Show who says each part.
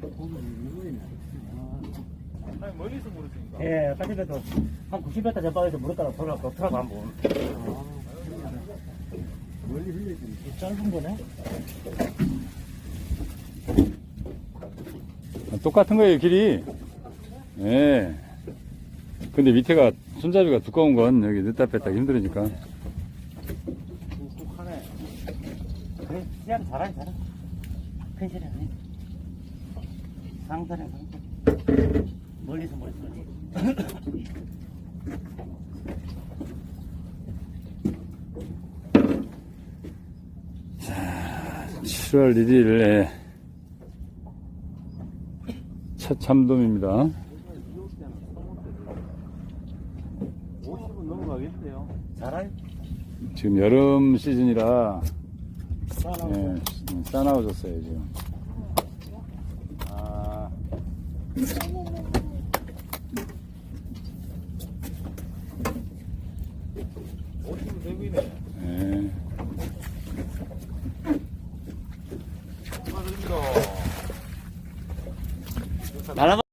Speaker 1: 아니, 멀리서 물었으니까.
Speaker 2: 예, 까지도 한 90m 전방에서 물었다가 돌아가고 트라고 한 번.
Speaker 3: 멀리 흘려주는
Speaker 2: 짧은 거네?
Speaker 4: 똑같은 거예요, 길이. 예. 근데 밑에가 손잡이가 두꺼운 건 여기 넣다 뺐다 힘들으니까.
Speaker 1: 뚝뚝하네.
Speaker 2: 그래, 시합 잘하네. 펜실이 아니. 상사네, 상사. 멀리서 멀리서.
Speaker 4: 7월 1일에 첫 참돔입니다.
Speaker 1: 50은 넘어가겠어요.
Speaker 2: 잘하네.
Speaker 4: 지금 여름 시즌이라
Speaker 2: 싸나워.
Speaker 4: 예, 싸나워졌어요 지금.
Speaker 1: 아. 50은 되고있네.
Speaker 4: 예.
Speaker 1: 축하드립니다.
Speaker 2: 날아가.